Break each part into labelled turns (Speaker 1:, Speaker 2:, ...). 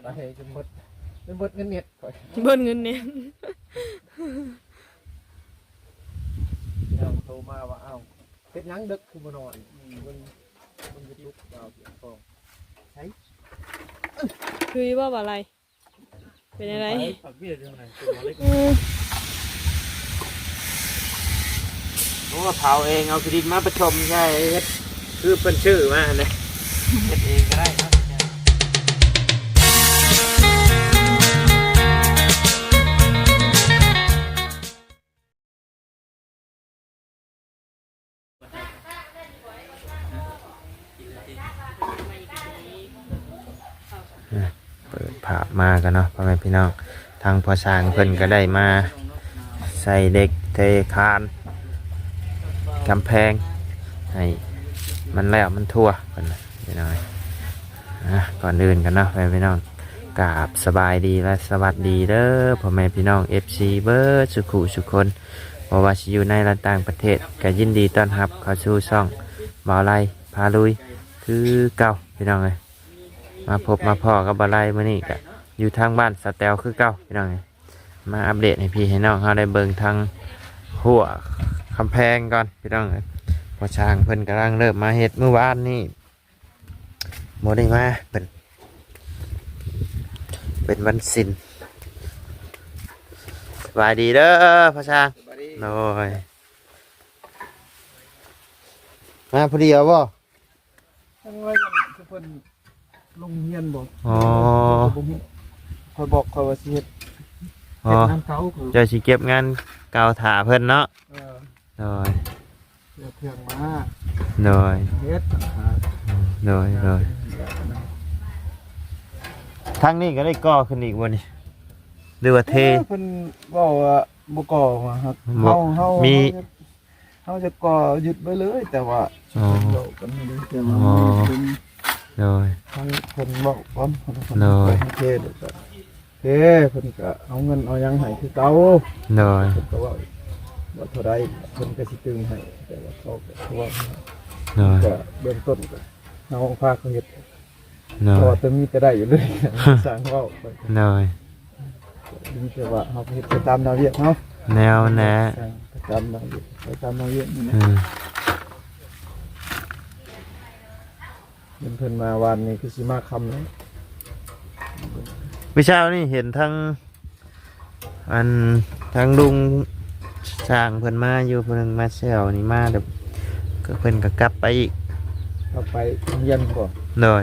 Speaker 1: ไปจนหมดเงินเน็ต
Speaker 2: เบิ้ลเงินเนี่ย
Speaker 1: เราโทรมาว่าเอ้าเป็นยังดึกคือบ่นอนมันจะลุกเอาเสียงฟองใช่
Speaker 2: คือว่าอะไรเป็นอะไร
Speaker 1: ปักเบี้ยเรื่องไหนผมว่าเผาเองเอาคดิตมาประชมใช่คือเป็นชื่อมาเลยเฮ็ดเองก็ได้ครับเปิดภาพมากันเนาะพ่อแม่พี่น้องทางพ่อช้างเพิ่นก็ได้มาใส่เด็กเทคานกำแพงให้มันแล้วมันทั่วกันพี่น้องก่อนอื่นกันเนาะพ่อแม่พี่น้องกราบสบายดีและสวัสดีเด้อพ่อแม่พี่น้อง FC เบิร์ดสุขุสุคนบ่ว่าสิอยู่ในและต่างประเทศก็ยินดีต้อนรับเข้าสู่ช่องบ่าวไร่พาลุยคือเก่าพี่น้องเลยมาพบมาพ่อกับบ่าวไร่มื้อนี้ก็อยู่ทางบ้านสแตลคือเก่าพี่น้องเลยมาอัปเดตให้พี่ให้น้องเขาได้เบิ่งทางหัวกำแพงก่อนพี่น้องเลยพอช้างเพิ่นกำลังเริ่มมาเฮ็ดเมื่อวานนี่โมได้มาเป็นวันศิลป์สบายดีเด้อพ่อช้างโอ้ยมาพอดีเอาบ่ทั้งว่าคือเพิ่นลงเรียนบ่อ๋อคอยบอกคอยว่าสิเฮ็ดงานเก่าคือจะสิเก็บงานเก่าถ่าเพิ่นเนาะโดยเครื่องมาโดยเฮ็ดโดยทางนี้ก็ได้ก่อขึ้นอีกบ่นี่หรือว่าเทเพิ่นบอกว่าบ่ก่อมาครับเฮามีเฮาจะก่อหยุดไปเลยแต่ว่าโดกันไม่ได้แต่ว่าโดยทางเพิ่นบอกพร้อมโดยเทเด้อเพิ่นก็เอาเงินเอาหยังให้คือเก่าโดยเพิ่นก็ว่าเท่าใดเพิ่นก็สิตึงให้แต่ว่าเขาก็ว่าโดยก็เบื้องต้นก็เฮาพาเขาเฮ็ดพอจะมีแต่ได้อยู่เลยสร้างเว้าโดยมีแต่ว่าเฮาเฮ็ดไปตามแนวเวียกเนาะแนวแนะตามแนวเวียกไปตามแนวเวียกนี่นะเพิ่นมาวันนี้คือสิมาค่ำแล้ววิชานี่เห็นทั้งลุงสร้างเพิ่นมาอยู่เพิ่นมาเซลนี่มาเดี๋ยวก็เพิ่นก็กลับไปอีกกลับไปเรียนก่อนเลย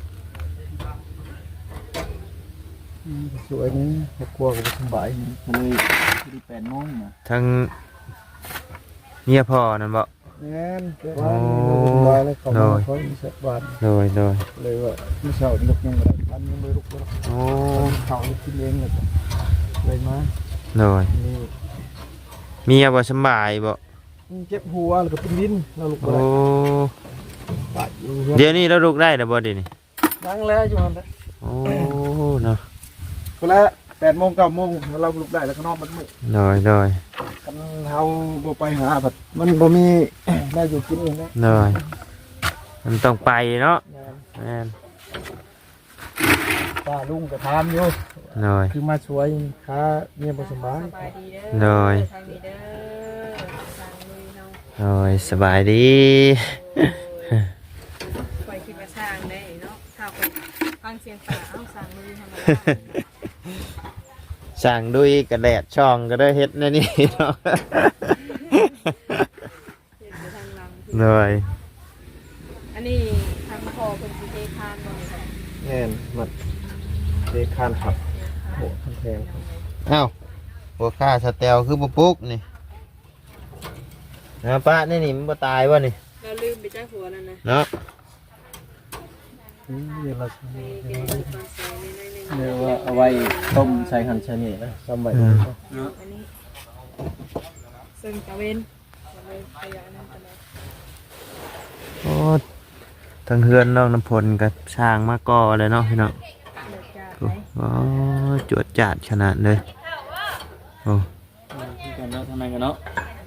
Speaker 1: สวยนี่ครอบครัวก็สบายเลยที่8 โมงนะทั้งเมียพ่อนั่นบ่แม่นว่านี่บ่แล้วเขาเขาสักวันเลยว่ามื้อเช้าลุกยังบ่ได้ปันยังบ่ลุกเลยโอ้เขากินเองเลยมาเลยเมียบ่สบายบ่เจ็บหัวแล้วก็เป็นวินเราลุกบ่ได้เดี๋ยวนี้เราลุกได้แล้วบ่ดินี่นั่งแล้วอยู่นั่นแหละโอ้เนาะก็แล้ว8 โมง 9 โมงเราลุกได้แล้วก็นอนมันมื้อเลยกันเฮาบ่ไปหาบัดมันบ่มีได้อยู่กินเองนะเลยมันต้องไปเนาะแม่นป้าลุงก็ถามอยู่เลยคือมาช่วยค้าเมียบ่สบายเลยสบายดีไปคิดว่าช่างได้เนาะข้าวฟังเสียงป่าเอาสั่งลุยทำอะไรสั่งดุยกระแดดช่องก็ได้เฮ็ดนี่เนาะเลยอันนี้ทางพ่อเป็นสิเทคานบ่ครับแน่นหมดเทคานครับโหคันแพงอ้าวหัวค่าสเตลคือบ่ปุ๊กนี่นะป้านี่มันบ่ตายวะนี่เราลืมไปจ้าหัวนั่นนะเนาะเนี่ยว่าเอาไว้ต้มใส่หั่นชะนีนะต้มไว้อันนี้ซึ่งตะเวนโอ้ทั้งเฮือนน้องน้ำพลกับช้างมาก่อเลยเนาะพี่น้องโอ้จวดจัดขนาดเลยโอ้กันเนาะทำไมกันเนาะ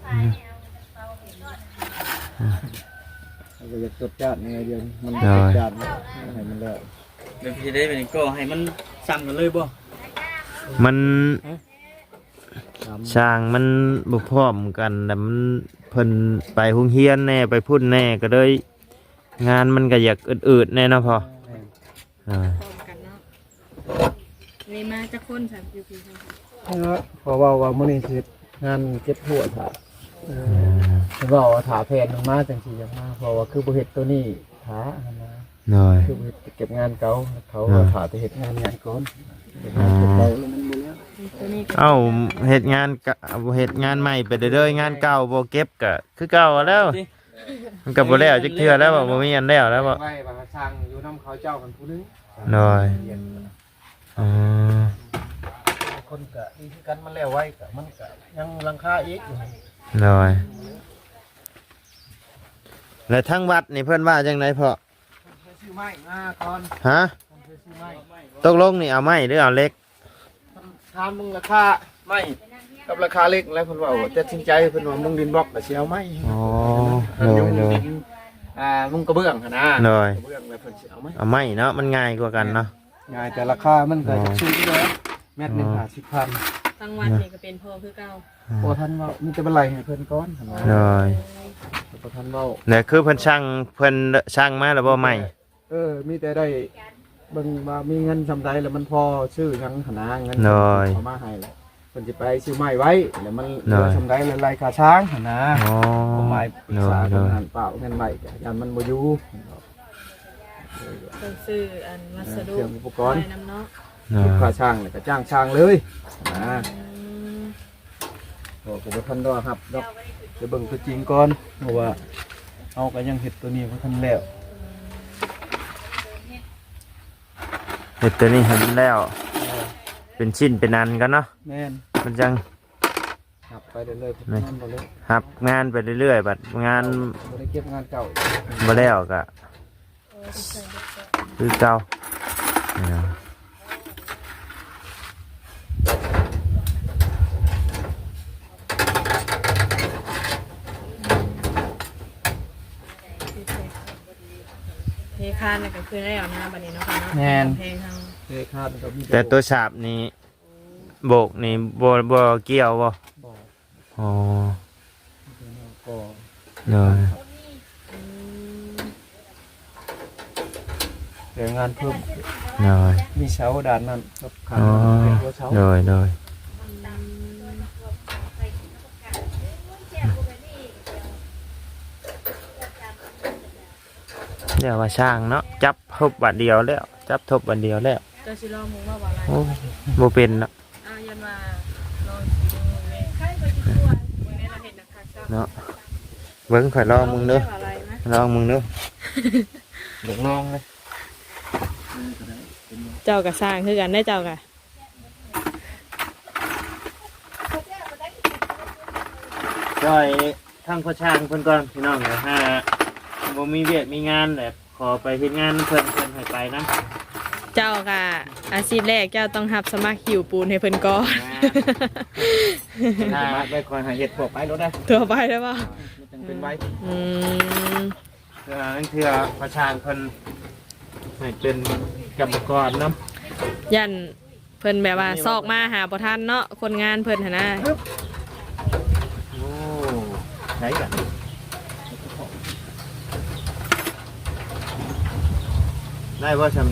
Speaker 1: เราจะจดจัดยังไงเดียวมันจดจัดให้มันแล้วเดี๋ยวพี่ได้เป็นก็ให้มัน
Speaker 3: สั่งกันเลยบ่
Speaker 1: มันช่างมันบ่พร้อมกันแต่มันเพิ่นไปโรงเรียนแน่ไปพุ่นแน่ก็เลยงานมันก็อยากอืดๆแน่เนาะพออ่า
Speaker 2: พร้อมกันเนาะเลยมาจะคนสามอยู่พี่ค่ะ
Speaker 3: เพราะว่ามื้อนี้คืองานเก็บหัวถ่าว่าถ่าแผนมาจังซี่จังมาเพราะว่าคือบ่เฮ็ดตัวนี้ถ่านะ
Speaker 1: หน่อย
Speaker 3: คือบ่เฮ็ดเก็บงานเก่าเขาถ่าไปเฮ็ดงานก่อน
Speaker 1: อ๋อ
Speaker 3: เก่าแล้วมันบ่แล้ว
Speaker 2: ตัวนี้ก็
Speaker 1: เอ้าเฮ็ดงานกะเฮ็ดงานใหม่ไปเรื่อยๆงานเก่าบ่เก็บก็คือเก่าแล้ว มันก็บ่แล้วจักเทื่อแล้วบ่มีอันแล้วแล้วบ่
Speaker 3: ไว้ว่าสร้างอยู่นำเขาเจ้ากันผู้นึง
Speaker 1: หน่อยอ๋อ
Speaker 3: คนก็ดีคือกันมันแล้วไว้ก็มันก็ยังราคาอีกอยู่
Speaker 1: หน่อยแล้วทั้งวัดนี่เพิ่นว่าจังไดพ่อ
Speaker 3: ซื้อไม้มาก่อน
Speaker 1: ฮะ
Speaker 3: ซื้อไม้
Speaker 1: ตกลงนี่เอาไม้หรือเอาเหล็ก
Speaker 3: ถามมึงราคาไม้กับราคาเล็กแล้วเพิ่นว่าตัดสินใจเพิ่นว่ามุงดินบล็อกก็สิเอาไม้
Speaker 1: อ๋อ
Speaker 3: มุง
Speaker 1: หน่อย
Speaker 3: ดินมุงกระเบื้องหั่นนะ
Speaker 1: หน่อย
Speaker 3: กระเบื้องแล้วเพิ่นสิเอาไม้
Speaker 1: เอาไม้เนาะมันง่ายกว่ากันเนาะ
Speaker 3: ง่ายแต่ราคามันก็จะสูงอยู่แล้วเม็ดหนึง50,000
Speaker 2: ทั้งวันนี่ก็เป็นพ่อคือเก่า
Speaker 3: บ่ทันเว้ามีแต่บันไลให้เพิ่นก่อนหั่นนะ
Speaker 1: หน่อย
Speaker 3: บ่ทันเว้า
Speaker 1: เนี่ยคือเพิ่นช่างมาแล้วบ่ไม้
Speaker 3: มีแต่ได้เบิ่งว่ามีเงินซำใดแล้วมันพอซื้อหยังหั่นนะเงิน
Speaker 1: หน่อย
Speaker 3: เอามาให้แล้วเพิ่นสิไปซื้อไม้ไว้แล้วมันเห
Speaker 1: หน่
Speaker 3: ลื
Speaker 1: อย
Speaker 3: อซำใดแล้วไล่ค่าช้างหั่นนะ
Speaker 1: อ๋อ
Speaker 3: เอาไม้ปรึ
Speaker 1: ห
Speaker 3: ก
Speaker 1: น่อ
Speaker 3: ษาย
Speaker 1: หน่
Speaker 3: กั
Speaker 1: อน ย
Speaker 3: หันเปล่าเงินใหม่ก็ยันมันบ่อยู่
Speaker 2: ต้องซื้ออันวัสดุ
Speaker 3: เครื่องอุปกรณ์
Speaker 2: ไว้น้ำเนาะ
Speaker 1: หน่อ
Speaker 3: ลูกค้าย ช่างเนี่ยก็จ้างช่างเลยนะ
Speaker 2: อืม
Speaker 3: โอ้ก็บ่ทันดอกครับดอกจะเบิ่งตัวจริงก่อนเพราะว่าเอาก็ยังเฮ็ดตัวนี้บ่ทันแล้ว
Speaker 1: เฮ็ดตัวนี้ให้มันแล้ว เป็นชิ้นเป็นอันกันเนาะ
Speaker 3: แม่น
Speaker 1: มันจัง
Speaker 3: ครับไปเรื่อยๆ
Speaker 1: แม่
Speaker 3: งานบ่เลย
Speaker 1: หับงานไปเรื่อยๆบัดงาน
Speaker 3: บ่ได้เก็บงานเก่า
Speaker 1: บ่แล้วก็คือเก่านี่เนาะ
Speaker 2: เทคานนี่ก็คือได้เอาหน้าบัดนี้เนาะค่ะเนาะ
Speaker 3: แม่น
Speaker 2: เพลงทาง
Speaker 3: เคยคาดก็มี
Speaker 1: แต่ตัวฉาบนี้โบกนี่บ่เกี่ยวบ่
Speaker 3: บ่
Speaker 1: อ๋อ
Speaker 3: ก็
Speaker 1: เนาะ
Speaker 2: อืม
Speaker 3: แต่งานเพิ่ม
Speaker 1: เนาะ
Speaker 3: มีเสาด้านนั้นกับขา
Speaker 1: อ๋อ
Speaker 3: เป็นตัวเสา
Speaker 1: เนาะเนาะเดี๋ยวว่าช่างเนาะจับทบบัดเดียวแล้วจับทบบัดเดียวแล้ว
Speaker 2: เจ้าสิลองมึงว่าบ่อะไร
Speaker 1: โอ้บ่เป็นเนาะ
Speaker 2: ยันว่าลองสิดูเลยใครก็สิกลัวมื้อนี้เราเห็นนักคักเจ้า
Speaker 1: เนาะเบิ่งข่อยลองมึงเด้อ
Speaker 2: ว่าอะไรนะ
Speaker 1: ลองมึงเด้อ
Speaker 3: เดี๋ยวลองเลย
Speaker 2: เจ้าก็สร้างคือกันได้เจ้าก็
Speaker 1: จ่อยทางพ่อช่างเพิ่นก่อนพี่น้องเดี๋ยวถ้าบ่มีเวียกมีงานแบบขอไปเฮ็ดงานเพิ่นให้ไปนะ
Speaker 2: เจ้าก็อาชีพแรกเจ้าต้องรับสมัครหิวปูนให้เพิ่นก่อน
Speaker 3: สามารถไปคอยหาเห็ดพวกไปรถได้
Speaker 2: ตัวไปได้ป่ะ
Speaker 3: จังเป็นไว้
Speaker 2: อืม
Speaker 1: นั่นคือพ่อช่างเพิ่นให้เป็นกรรมกรนำ
Speaker 2: ยันเพิ่นแบบว่าซอกมาหาบ่ทันเนาะคนงานเพิ่นหั่นนะ
Speaker 1: โอ้ไหนกันได้บ่ซำ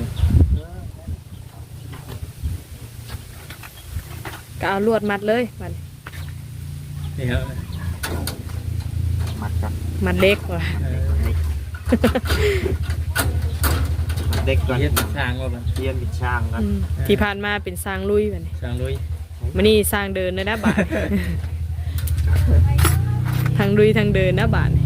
Speaker 2: ก็เอาลวดมัดเลยมัด
Speaker 3: นี่ครับ
Speaker 1: มัดกัน
Speaker 2: มัดเล็กว่ะ
Speaker 1: เด็กก่อน
Speaker 3: เฮ็ดช่างว่ามัน
Speaker 1: เตรียมบิดช่างกัน
Speaker 2: อืมที่ผ่านมาเป็นสร้างลุยบัดนี้
Speaker 3: ช่างลุย
Speaker 2: มื้อนี้สร้างเดินเลยนะบาด ทางลุยทางเดินนะบาด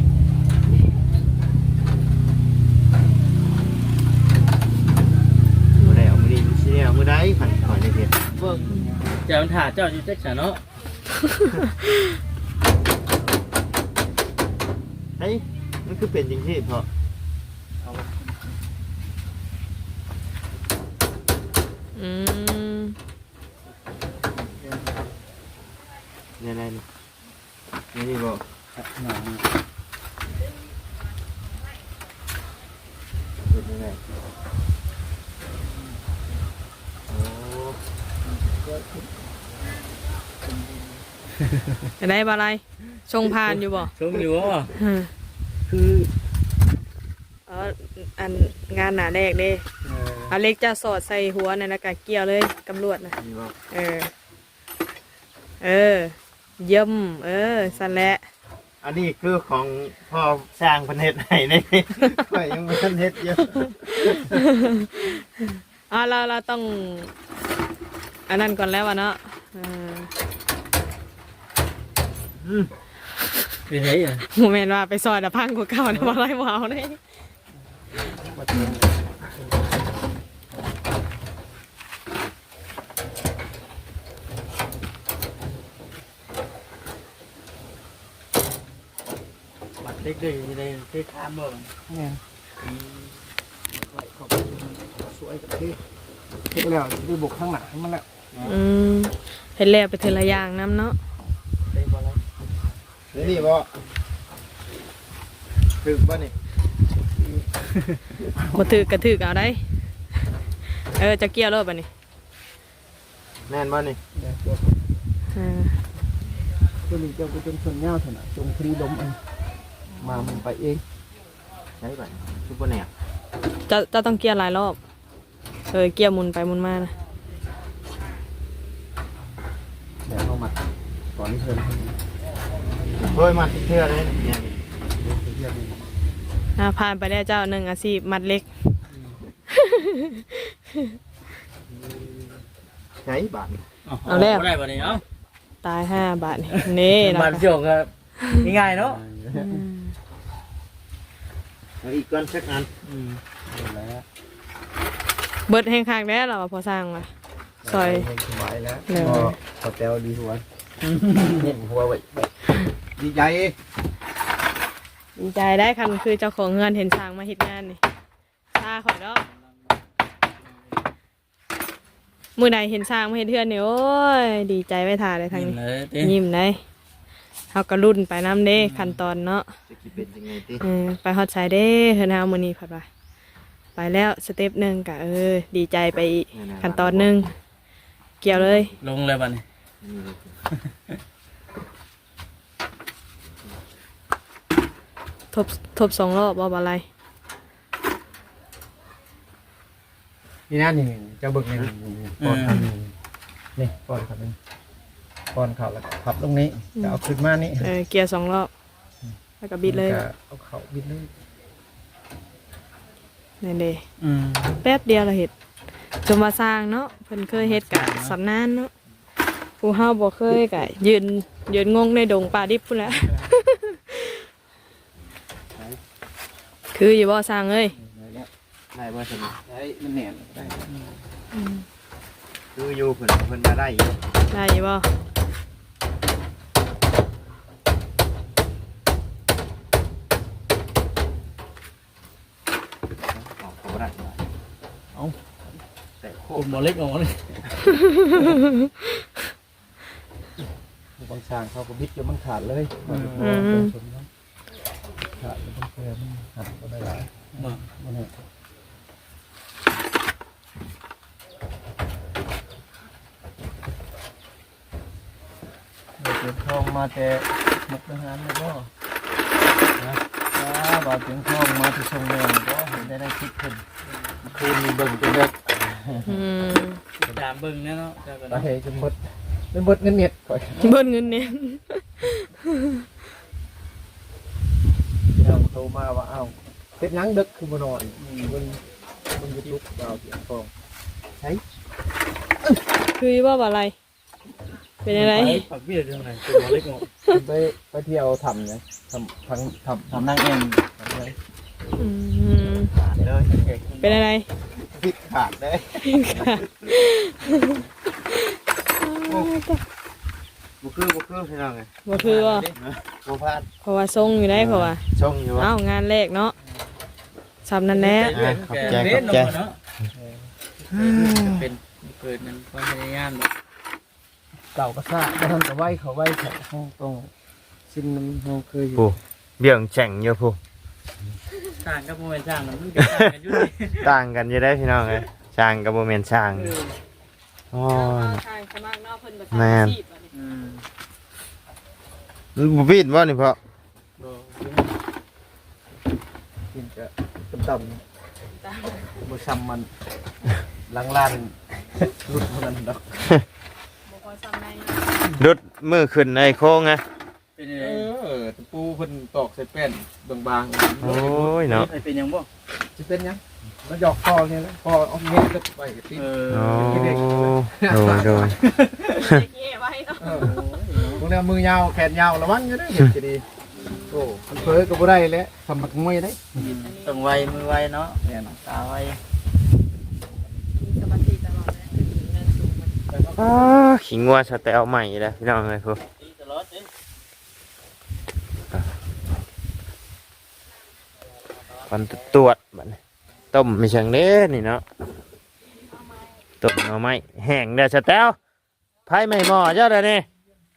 Speaker 1: มื้อใดเอามื้อนี้สิเอามื้อใดขันขอยได้เฮ็ด
Speaker 3: เบิ่งเจ้าถ่าเจ้าอยู่จักษะเนาะ
Speaker 1: เฮ้ยมันคือเป็นจริงที่พอ
Speaker 2: อืม
Speaker 1: เนี่ยนี่นี่บ่เป็นยังไงโอ้
Speaker 2: จะได้บ่อะไรชงพานอยู่บ่
Speaker 3: ชมอยู่ว่า
Speaker 2: อืม
Speaker 3: คือ
Speaker 2: อันงานหนาแรกเด้เอาเล็กจะสอดใส่หัวในแล้วก็เกี่ยวเลยกำรวจนะเออเยี่ยมสั่นแหละ
Speaker 1: อันนี้คือของพ่อสร้างประเทศไหนนี่ ข่อยยังไม่ทันเฮ็ดเยอะ
Speaker 2: เราต้องอันนั้นก่อนแล้ววะเนาะ
Speaker 3: เป็นไงอ่ะ
Speaker 2: โมเมนต์ว่าไปซอยแต่พังกว่าเก่านะบ่ไรบ่เอาเลย
Speaker 3: บัดเล็กด้วยในที่ข้ามบ่เนี่ยสวยกับที่เฮ็ดแล้วได้บุกข้างหลังมันแล้ว
Speaker 2: เห็นแล้วไปเทละอย่างน้ำเนาะ
Speaker 3: ได้บ่แล้ว
Speaker 1: นี่บ่ถึกบ่นี่
Speaker 2: บ่ถือกระถือเอาได้จะเกี่ยวรถป่ะนี่
Speaker 1: แม่นบ่นี่
Speaker 3: ตัวนี้เจ้าก็เป็นส่วนยาวเท่านั้นจงคลีลมอันมามันไปเอง
Speaker 1: ใช่บ่ซุปเปอร์แนว
Speaker 2: จะต้องเกี่ยวหลายรอบเกี่ยวหมุนไปหมุนมานะ
Speaker 3: เดี๋ยวเข้ามาก่อนที่เชิญ
Speaker 1: โดยมาเทื่อเลยเนี่ย
Speaker 2: ผ่านไปแล้วเจ้า1อาชีพมัดเล็ก
Speaker 1: ใช่บาท
Speaker 2: เอาแล้ว
Speaker 3: ได้บ่นี่เอ้า
Speaker 2: ตาย5 บาทนี่นะ
Speaker 3: บ้านเสี่ยวก็ง่ายๆเนาะ
Speaker 1: เอาอีกก้อนสักอัน
Speaker 3: แล้ว
Speaker 2: เบิดแห้งคักแล้วเราพอสร้างมาซอย
Speaker 3: สบายแล้ว
Speaker 2: เลย
Speaker 3: พอแต้วดีหัวเห็นหัวไว้ดีใจ
Speaker 2: ดีใจได้คันคือเจ้าของเงินเห็นช้างมาเฮ็ดงานนี่ซาข่อยเนาะมื้อใดเห็นช้างมาเฮ็ดเทือนนี่โอ้ยดีใจไว้ท่าเลยทางนี้ยิ้มได้เฮาก็รุ่นไปนำเด้ขั้นตอนเนาะ
Speaker 1: จะคิดเป็นยังไงติ
Speaker 2: ไปฮอดไสเด้เฮือนเฮามื้อนี้พัดว่าไปแล้วสเต็ปหนึงก็ดีใจไปอีกขั้นตอนหนึงเกี่ยวเลย
Speaker 3: ลงเลยบัดนี้
Speaker 2: ทบ2 รอบบ่อะไร
Speaker 3: นี่นั่นนี่เจ้าบึกนี่ป้อนครับนี่ป้อนครับนี่ป้อนเขาแล้วขับตรงนี้จะเอาขึ้นมานี่
Speaker 2: เกี่ยว2 รอบแล้วก็บิดเลย
Speaker 3: เอาเขาบิดเลย
Speaker 2: นี่เด้แป๊บเดียวเราเฮ็ดจนมาสร้างเนาะเพิ่นเคยเฮ็ดกะสำนานเนาะผู้เฮาบ่เคยกะยืนงงในดงป่าดิบพุ่นแหละ คืออยู่บ่สร้างเอ้ย
Speaker 1: ได้บ่ซั่น
Speaker 3: ได้มันแหนมได้
Speaker 1: คืออยู่เพิ่นมาได้อยู่
Speaker 2: ได้อยู่บ่
Speaker 1: อ๋อเขาบ่ได้
Speaker 3: เอา
Speaker 1: แต่โค
Speaker 3: กลุ่มหมอเล็กออกมาเลยบางช่างเขาก็บิดจนมันขาดเลยขาดมันเพื่อมันหักก็ได้หลายมันเนี่ยเก็บทองมาแต่มุกทหารเลยก็นะบาดเจ็บทองมาที่ชงแดงก็เห็นได้คิดขึ้นคืนมีเบิ่งจนเด็ก
Speaker 4: ตามเบิ่งแน่เนาะ
Speaker 3: ไปจนหมดเป็นหมดเงินเน็ตก่อน
Speaker 2: เบิ่นเงินเนี่ย
Speaker 3: เราโทรมาว่าเอ้าเฮ็ดหยังดึกคือบ่นอนมันยูทูบดาวเสียงฟองใช่
Speaker 2: คืออยู่บ่บ่อะไรเป็นอะไร
Speaker 4: ปักเบี้ยเรื่องไหนตัวเล็กง
Speaker 3: ไปเที่ยวทำเนี่ยทำนั่งเองทำเลย
Speaker 1: ขาดเลย
Speaker 2: เป็นอะไร
Speaker 1: ผิดขาดเลย บ่คือพี่น้องไง
Speaker 2: บ่คือว่า
Speaker 1: บ่พลาด
Speaker 2: เพราะว่าทรงอยู่ได้เพราะว่า
Speaker 1: ชงอยู่ว่า
Speaker 2: งานแรกเนาะสำนั่นแหละ
Speaker 1: ขอบใจขอบใจ
Speaker 4: เนาะเป็นเกิดนั้นความพยายาม
Speaker 3: เก่าก็ซ่าแล้วทำกับไหวเขาไหวแข็งห้องตรงชิ้นมันเราเคยอยู่
Speaker 1: ผู้เบี่ยงแฉ่งอยู่ผู้
Speaker 4: สร้างกับโมเมนต์สร้างมันก็ต่างกันอยู่ดิ
Speaker 1: ต่างกันอยู่ได้พี่น้องเอ้ยช่างกับบ่แม่นช่างอ๋อ
Speaker 2: ทางสมัครเนาะเพิ่นบ่
Speaker 1: แม่น
Speaker 2: ชีพอะนี่
Speaker 4: อืม
Speaker 1: มันบ่ปีนบ่นี่พ่อ
Speaker 4: บ่
Speaker 3: กินจะต่ำบ่ซ้ำมันล้างล้านรุดมันดอก
Speaker 2: บ่พอซ้ำใน
Speaker 1: รถมือขึ้นในโค้งไง
Speaker 4: เป็นยังไง
Speaker 3: ตะปูเพิ่นตอกใส่แป้นบาง
Speaker 1: โอ้ยเนาะ
Speaker 4: เป็นยังบ่
Speaker 3: ๆสิเป็นหยังมันหยอกคอเนี่ยนะคอเอาเม็ดก็ไปติด
Speaker 1: โอ้โดย
Speaker 2: เย่ไว้เนาะ
Speaker 3: พวกนี้มือยาวแขนยาวระวังอยู่เด้อเห็นจะดีโอ้มันเผลอก็บ่ได้แล้วทำบักมวยได้
Speaker 4: ต้องไวมือไวเนาะเนี่ยตาไว
Speaker 2: มีสมาธิตลอดเลยเงินสูงมัน
Speaker 1: อ้าขิงงัวสแตลใหม่แล้วพี่น้องเลยพวก
Speaker 4: ตีตลอดเด้
Speaker 1: ฟันตรวจบัดนี้ต้มไม่เชิงเด้นี่เนาะต้มเอาไม้แห้งเด้อสแตลไผ่ไม่หม้อเจ้าเด้อนี่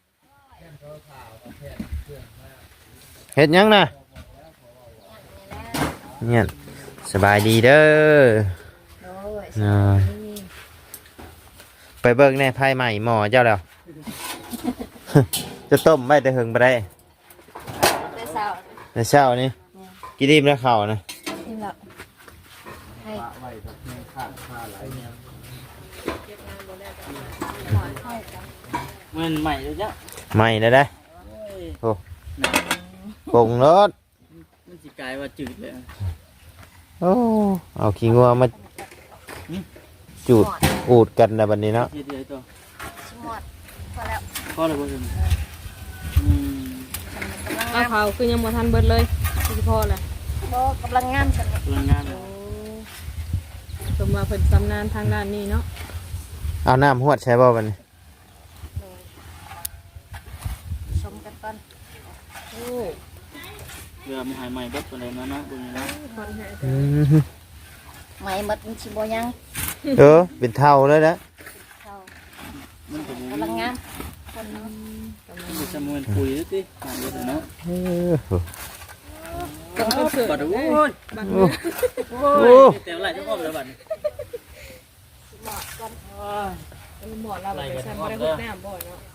Speaker 1: เฮ็ดหยังน่ะเนี่ยสบายดีเด้อไปเบิ่งในไผ่ใหม่หม้อเจ้าแล้ว จะต้มไว้แต่หึงบ่ได้
Speaker 5: ได้สาว
Speaker 1: แต่เช้านี่กินอิ่มแล้วข้าวนะ
Speaker 5: นี่แหละให้
Speaker 4: มันใหม่เลยจ้ะ
Speaker 1: ใหม่เลยได้โอ้ปรุงรส
Speaker 4: มันสิกลายว่าจืดเลย
Speaker 1: โอ้เอาขี้งัวมาจูดอูดกันนะบัดนี้เนาะ
Speaker 4: เดียวตัว
Speaker 5: ชิมอดพอแล้ว
Speaker 4: พอแล้วบ่ซั่น
Speaker 2: เอาเผาคือยังบ่ทันเบิดเลยคือพอแหละ
Speaker 5: โบกำลังงามฉันเลย
Speaker 4: พลังงาน
Speaker 2: โอ้สมว่าเพิ่นชำนาญทางด้านนี้เนาะ
Speaker 1: เอาน้ำหวดใช่บ่บัดนี้
Speaker 5: ชมกันก่อน
Speaker 2: โอ้
Speaker 4: เพื่อมันหายใหม่เบิดปานใดมานะเบิ่งนะ
Speaker 2: คนแห่
Speaker 1: อืม
Speaker 5: ไหมหมดมันชิโบยัง
Speaker 1: เป็นเท่าเลยนะ
Speaker 5: เขา
Speaker 4: มันเป็น
Speaker 5: กำลังงามคน
Speaker 4: มันจะมันปุ๋ยติหายไปเนาะ
Speaker 2: เป็นคนเสือ
Speaker 4: บัดโอ้ย
Speaker 2: บัด
Speaker 1: โอ้
Speaker 4: โอ้ยแต่ไหลจะอ้อมแล้วบัดนี้
Speaker 2: เป็นหมอเราไปใช้บ่ได้ฮดน้ำบ่เนาะ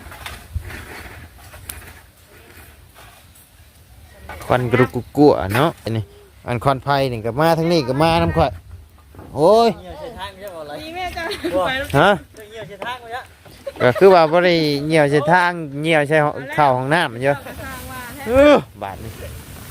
Speaker 1: ควันกรุกกัวเนาะอันนี้อันควันไฟนี่ก็มาทั้งนี้ก็มาน้ำข่อยโอ้ย
Speaker 4: เหี่ยวใส่ทางไม่ใช่บ่อะไร
Speaker 2: นี่แม่จ้ะไปแล้ว
Speaker 1: ฮะ
Speaker 4: เหี่ยวใส่ทางบ่จ้ะ
Speaker 1: ก็คือว่าบ่ได้เหี่ยวใส่ทางเหี่ยวใส่เข้าห้องน้ำมันเยอะ
Speaker 2: ก็สร้างว่าแท้
Speaker 1: บาทนี่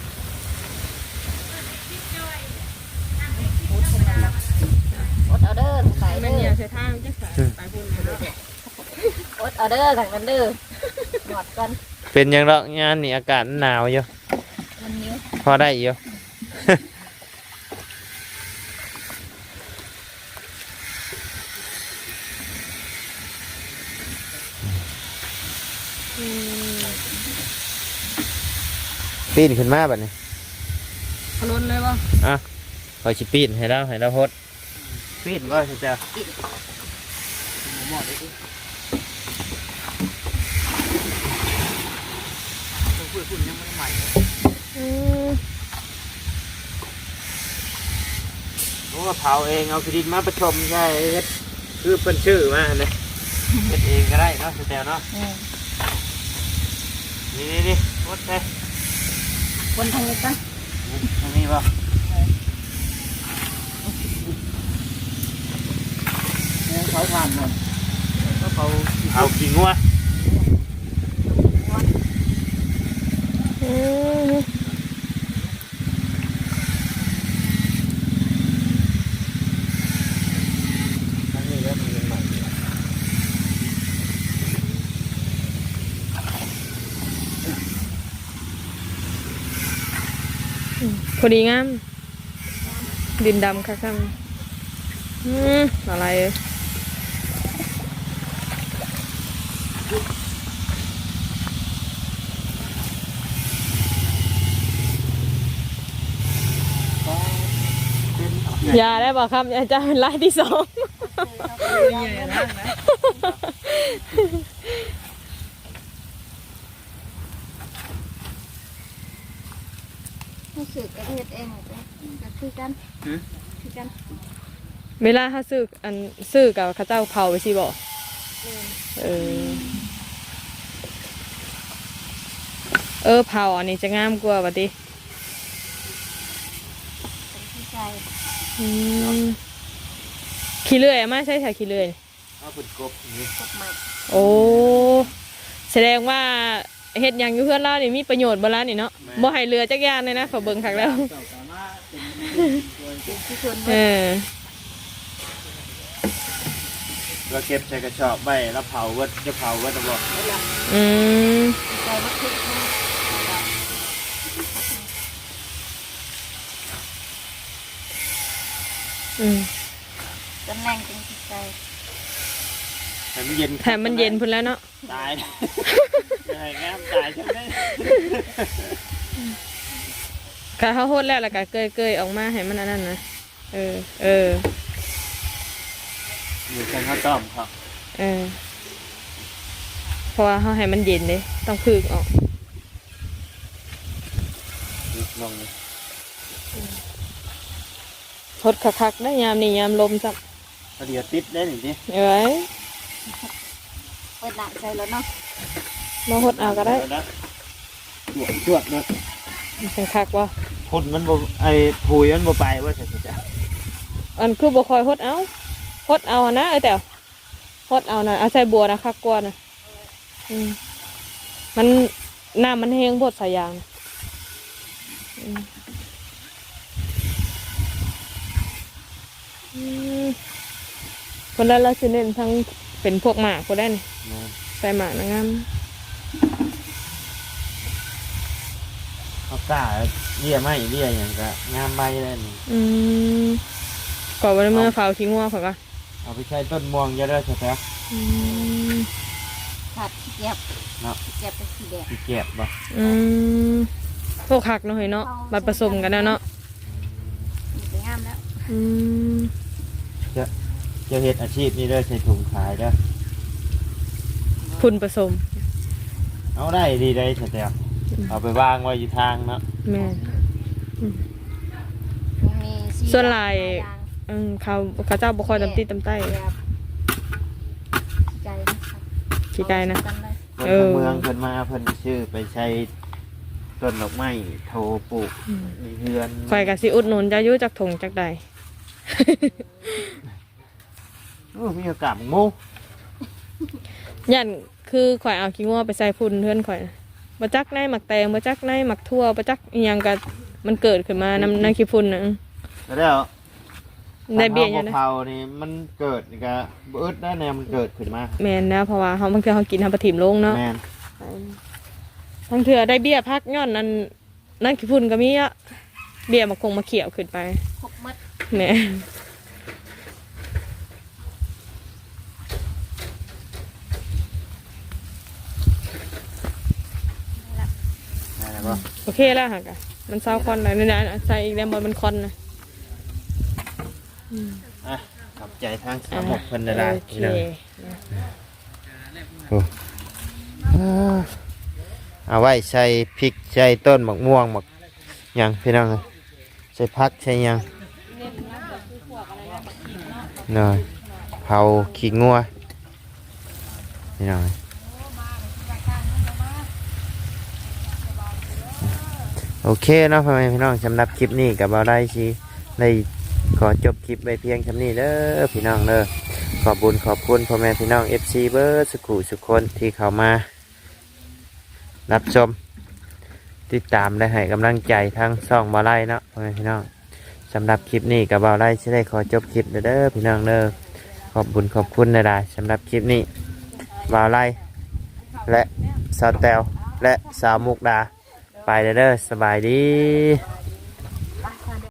Speaker 5: อดเอาเด้อใส่
Speaker 2: แม่
Speaker 5: เด้
Speaker 2: เนี่
Speaker 5: อย
Speaker 2: ใช้ทางจักสายไปพุ่นแล้ว
Speaker 5: อดเอาเด้อทางนั้นเด้อหมดกัน
Speaker 1: เป็นหยังดอกงานนี่อากาศหนาวอยู่
Speaker 5: มันนิ้ว
Speaker 1: พอได้อยู่ ปีนขึ้นมาแบบนี้
Speaker 2: พล้นเลยบ่
Speaker 1: คอยชิปีนให้เราโฮดปีนว่าจะ โอ้เผาเองเอาคดิตมาประชมใช่เฮ็ดคือเป็นชื่อมาเลยเฮ็ดเองก็ได้เนาะสแตลเนาะนี่โคตรเลย
Speaker 5: คนทางนี้กัน
Speaker 1: ตรงนี้ป่ะ
Speaker 4: เนี่ยเขาทานหมดก็เขา
Speaker 1: เอากี่งัว
Speaker 2: พอดีงามดินดำค่ะครับอะไรเอ้ย อย่าได้บอกครับอย่าจะเป็นรายที่สอง
Speaker 5: รู้สึกกระเทศเองก็คือกันคือกัน
Speaker 2: เวลาเขาซื้อกับเขาเจ้าเผาไปสิบอกเผาอันนี้จะงามกว่าปะติ
Speaker 5: ที่ใจ
Speaker 2: ขี้เลื่อยอะมาใช่ค่ะขี้เลื่อย
Speaker 4: เอาเป็นกบนี่
Speaker 5: พวกใหม่
Speaker 2: โอ้แสดงว่าเฮ็ดหยังอยู่เพื่อนเรานี่มีประโยชน์บ่ล่ะนี่เนาะบ่ให้เรือจักยานเลยนะขอเบิ่งคักแล้ว
Speaker 4: เจ้าสามารถเป็น
Speaker 5: ที่ชวน
Speaker 1: เราเก็บใส่กระสอบไว้แล้วเผาวัดจะเผาวัดจะบอก
Speaker 2: อืม
Speaker 5: ใจมากขึ้น จนแรงจนจิตใจ
Speaker 1: ให้มันเย็น
Speaker 2: แถมมันเย็นพุ่นแล้วเนาะ
Speaker 1: ตายยังไงแง้มตายใช่ไหม
Speaker 2: กะเขาโหดแล้วก็เกยออกมาให้มันอันนั้นนะ
Speaker 1: อยู่กันข้าวต้มครับ
Speaker 2: เพราะว่าเขาให้มันเย็นเลยต้องพึกออก
Speaker 1: ลงเลย
Speaker 2: ทดคักๆได้ยามนี่ยามลมจับ
Speaker 1: เดี๋ยวติดได้หนิดิ
Speaker 2: เอาไว้
Speaker 5: เปิดหนักใจแล้วเนาะ
Speaker 2: มาหดเอาก็ได้
Speaker 1: จวดเลย
Speaker 2: เป็นคักว่า
Speaker 1: พุ่นมันบ่ไอ้ผุยมันบ่ไปว่าจะจะ
Speaker 2: อันคือบ่คอยหดเอานะแต่หดเอานะเอาใส่บัวนะคักกว่านะมันน้ำมันแห้งบดสายยางคนละเราจะเน้นทั้งเป็นพวกหมากก็ได้นี่ใส่หมากนะงาม
Speaker 1: เอาก้าเลี่ยไม่เลี่ยอย่างก็งามใบเลยนี่
Speaker 2: ก่อนวันเมื่อเฝ้าทิ้งงัวเขาก็
Speaker 1: เอาไปใช้ต้นม่วงจะได้ใช่ไหม
Speaker 5: ขาดขี้เกียจ
Speaker 1: เนาะ
Speaker 5: ขี้เกียจเป็นสีแดง
Speaker 1: ขี้เกียจบ่
Speaker 2: พวกคักเนาะเฮ้ยเนาะมาผสมกันแล้วเนาะ
Speaker 5: มันจะงามแล้ว
Speaker 1: จะเฮ็ดอาชีพนี้ได้ใส่ถุงขายได้
Speaker 2: พุ่นผสม
Speaker 1: เอาได้ดีได้ใช่ไหมเอาไปวางไว้อยู่ทางเนาะ
Speaker 2: แม่
Speaker 5: ยังมีสี
Speaker 2: ส่วนลายเขาเจ้าบุคคลตำตีตำใต้
Speaker 5: ใจ
Speaker 2: ขี้ไก่นะ
Speaker 1: คนทางเมืองเพิ่นมาเพิ่นชื่อไปใช้ต้นดอกไม้โทปลูกในเฮือน
Speaker 2: ข่อยกับสิอุดหนุนจะยุ่จากถงจากใด
Speaker 1: มีโอกาสโง่
Speaker 2: ยันคือข่อยเอาขี้งัวไปใส่พุ่นเพื่อนข่อยมาจักในหมักแตงมาจักในหมักทั่วมาจักอีหยังก็มันเกิดขึ้นมานำขี้พุ่นนะ
Speaker 1: แล้ว
Speaker 2: ได้เบี้ยอ
Speaker 1: ยั
Speaker 2: ยู่
Speaker 1: ง
Speaker 2: นะ
Speaker 1: เผานี่มันเกิดนี่ก็เบิดได้แนวมันเกิดขึ้นมา
Speaker 2: แม่นนะเพราะว่าเขาบางทีเขากินทำปลาถิ่มลงเนาะ
Speaker 1: แม่น
Speaker 2: บางเถื่อได้เบี้ยพักย้อนนั่นขี้พุ่นก็มีอะเบี้ยมาคงมาเขียวขึ้นไป
Speaker 5: พกมัด
Speaker 2: แหม่
Speaker 1: นั่นแหละบ่
Speaker 2: โอเคแล้วค่ะกะมันเศร้าคอนเลยนี่นะใส่อีกแล้วมันคอนนะ
Speaker 1: อ่ะขอบใจทางสามหกเพิ่นได้
Speaker 2: โอเค
Speaker 1: เอาไว้ใส่พริกใส่ต้นหมักม่วงหมักหยังพี่น้องใส่ผักใส่หยังหน่อยเผาขี้งัวพี่น้องโอเคเนาะพ่อแม่พี่น้องสำหรับคลิปนี้กับเราได้สิได้ขอจบคลิปไปเพียงคำนี้เด้อพี่น้องเด้อขอบคุญขอบคุณพ่อแม่พี่น้อง FC เบิร์ดสุขุสุขคนที่เข้ามารับชมติดตามและให้กำลังใจทั้งช่องบ่าวไร่เนาะพ่อแม่พี่น้องสำหรับคลิปนี้กับบ่าวไร่จะได้ขอจบคลิปเด้อพี่น้องเด้อขอบคุญขอบคุณนะดาสำหรับคลิปนี้บ่าวไร่และสาวแตวและสาวมุกดาไปเด้อสบายดี